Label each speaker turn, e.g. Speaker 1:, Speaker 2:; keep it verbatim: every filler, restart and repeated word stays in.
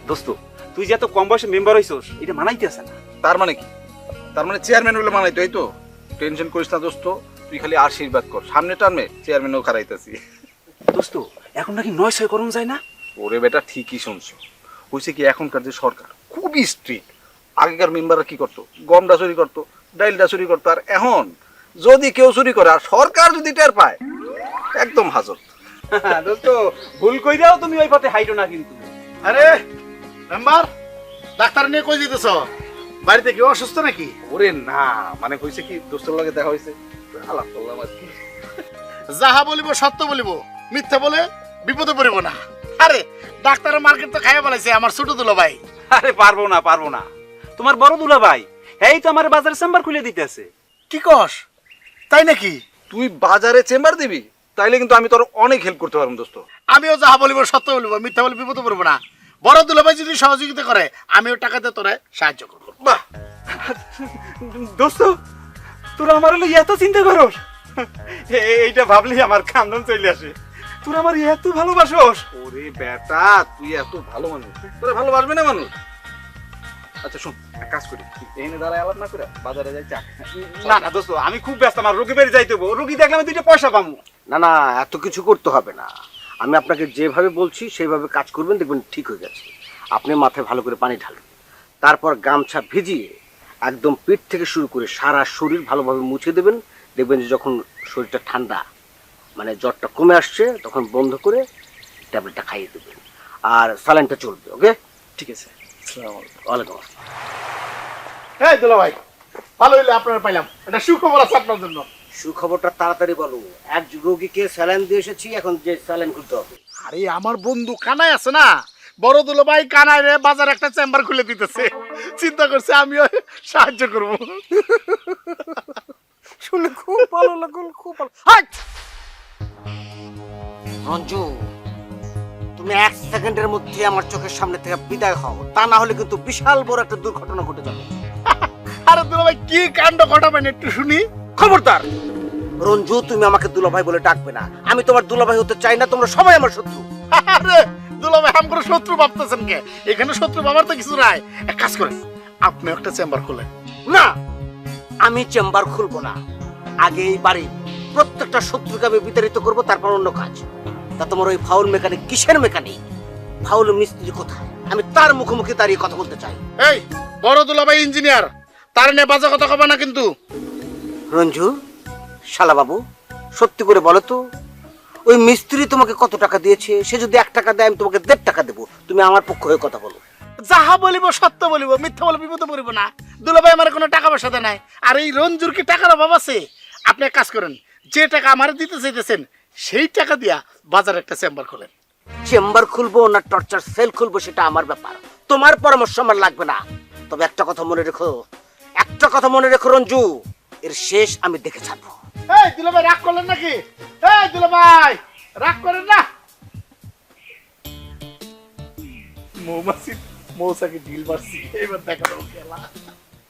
Speaker 1: দোস্ত তুই যে এত কম বয়সে মেম্বার হইছস এটা মানাইতে আছে না।
Speaker 2: তার মানে কি? তার মানে চেয়ারম্যান হলে মানাই, তাই তো? টেনশন করিস না দোস্ত, তুই খালি আশীর্বাদ কর, সামনে টার্মে চেয়ারম্যানও খারাইতেছি।
Speaker 1: দোস্ত এখন নাকি নয় ছয় করুন যায় না?
Speaker 2: ওরে বেটা ঠিকই শুনছো, হয়েছে কি এখনকার যে সরকার খুবই স্ট্রিক্ট। আগেকার মেম্বাররা কি করতো, গমটা চুরি করতো, ডাইলটা চুরি করতো, আর এখন যদি কেউ চুরি করে আর সরকার যদি টের পায় একদম হাজত।
Speaker 1: দোস্ত ভুল কইরাও তুমি ওই পথে হাইটো না কিন্তু।
Speaker 3: আরে মেম্বার, ডাক্তার নিয়ে কই দিতেছ? বাড়িতে কি অসুস্থ নাকি?
Speaker 2: ওরে না, মানে হয়েছে কি দোস্তের লগে দেখা হয়েছে, আলাপ করলাম আর কি।
Speaker 3: যাহা বলিব সত্য বলিব, মিথ্যা বলে বিপদে পড়িব না। আরে ডাক্তারের মার্কেট তো খাইয়া বলাইছে আমার ছোট দুলো ভাই।
Speaker 1: আরে পারবো না পারবো না, তোমার বড় দুলা ভাই এই তো আমার বাজার চেম্বার খুলে দিতেছে।
Speaker 3: কি কস, তাই নাকি?
Speaker 2: তুই বাজারে চেম্বার দিবি, তাইলে কিন্তু আমি তোর অনেক হেল্প করতে পারবো দোস্ত।
Speaker 3: আমিও যাহা বলিব সত্য বলিব, মিথ্যা বলে বিপদে পড়ব না। বড় দুলো ভাই যদি সহযোগিতা করে আমিও টাকাতে তোরে সাহায্য করবো।
Speaker 2: বাহ,
Speaker 1: দোস্ত তোরা আমার হলো এত চিন্তা করস, এইটা ভাবলেই আমার কান্দন চলে আসে। তোরা আমার এত ভালোবাসোস।
Speaker 2: ওরে বেটা তুই এত ভালো মানুষ, তোরা ভালোবাসবে না মানুষ? আচ্ছা শোন, এক কাজ করি, এখানে দাঁড়ায় আলাপ না করে বাজারে যাই চা।
Speaker 1: না না দোস্ত আমি খুব ব্যস্ত, আমার রোগী বেড়ে যাইতে হবো, রোগী দেখলে আমি দুইটা পয়সা পাবো।
Speaker 4: না না, এত কিছু করতে হবে না। আমি আপনাকে যেভাবে বলছি সেইভাবে কাজ করবেন, দেখবেন ঠিক হয়ে গেছে। আপনি মাথায় ভালো করে পানি ঢালবেন, তারপর গামছা ভিজিয়ে একদম পিঠ থেকে শুরু করে সারা শরীর ভালোভাবে মুছে দেবেন। দেখবেন যে যখন শরীরটা ঠান্ডা, মানে জ্বরটা কমে আসছে, তখন বন্ধ করে ট্যাবলেটটা খাইয়ে দেবেন, আর স্যালাইনটা চলবে। ওকে,
Speaker 1: ঠিক আছে।
Speaker 4: ওয়ালাইকুম আসসালাম।
Speaker 3: এই দুলো ভাই, ভালো হইলে আপনারা পাইলাম, এটা সুখবর আছে আপনার জন্য।
Speaker 4: সুখবরটা তাড়াতাড়ি বলো। এক রোগীকে স্যালাইন দিয়ে এসেছি, এখন যে স্যালাইন খুলতে হবে।
Speaker 3: আরে আমার বন্ধু কানাই আছে না, বড় দুলো ভাই কানাই রে বাজারে একটা চেম্বার খুলে দিতেছে, চিন্তা করছে আমিও সাহায্য করব।
Speaker 4: শুনে খুব ভালো লাগলো, খুব ভালো। হাট রঞ্জু, তুমি এক সেকেন্ডের মধ্যে আমার চোখের সামনে থেকে বিদায় হও, তা না হলে কিন্তু বিশাল বড় একটা দুর্ঘটনা ঘটে যাবে।
Speaker 3: আরে দুলো ভাই কি কাণ্ড ঘটাবেন একটু শুনি।
Speaker 4: খবরদার রঞ্জু, তুমি আমাকে দুলাভাই বলে ডাকবে না। আমি তোমার দুলাভাই হতে চাই না, তোমরা সবাই আমার শত্রু।
Speaker 3: আরে দুলো ভাই আমগো শত্রু ভাবতেছেন কে? এখানে শত্রু ভাবার তো কিছু নাই। এক কাজ করেন, আপনি একটা চেম্বার খুলেন।
Speaker 4: না, আমি চেম্বার খুলবো না। আগে এই বাড়ির প্রত্যেকটা শত্রুকে আমি বিতাড়িত করবো, তারপর অন্য কাজ। তা তোমার ওই ফাউল মেকানিক কিসের মেকানিক? ফাউল মিস্ত্রি কোথায়? আমি তার মুখোমুখি দাঁড়িয়ে কথা বলতে চাই।
Speaker 3: এই বড় দুলো ভাই ইঞ্জিনিয়ার, তার নিয়ে বাজে কথা কবে না কিন্তু।
Speaker 4: রঞ্জু শালা বাবু, সত্যি করে বলো তো, ওই মিস্ত্রি তোমাকে কত টাকা দিয়েছে? সে যদি এক টাকা দেয় আমি তোমাকে দেড় টাকা দেবো। তুমি আমার পক্ষ হয়ে কথা বলো।
Speaker 3: যাহা বলিব সত্য বলিব, মিথ্যা বলে বিপদে পড়িব না। দুলো ভাই আমার কোনো টাকা পয়সা দেয় নাই, আর এই রঞ্জুর কি টাকার অভাব আছে? আপনি এক কাজ করেন, যে টাকা আমার দিতে চাইতেছেন সেই টাকা দিয়া বাজারে একটা চেম্বার খোলেন।
Speaker 4: চেম্বার খুলবো না টর্চার সেল খুলবো সেটা আমার ব্যাপার, তোমার পরামর্শ আমার লাগবে না। তবে একটা কথা মনে রেখো, একটা কথা মনে রেখো রঞ্জু, এর শেষ আমি দেখে ছাড়বো।
Speaker 3: এই দুলো ভাই রাগ করলেন নাকি? এই দুলো ভাই রাগ করেন না। মৌমাছি মৌসাকে ঢিল মারছি, এবার দেখা দেবো খেলা।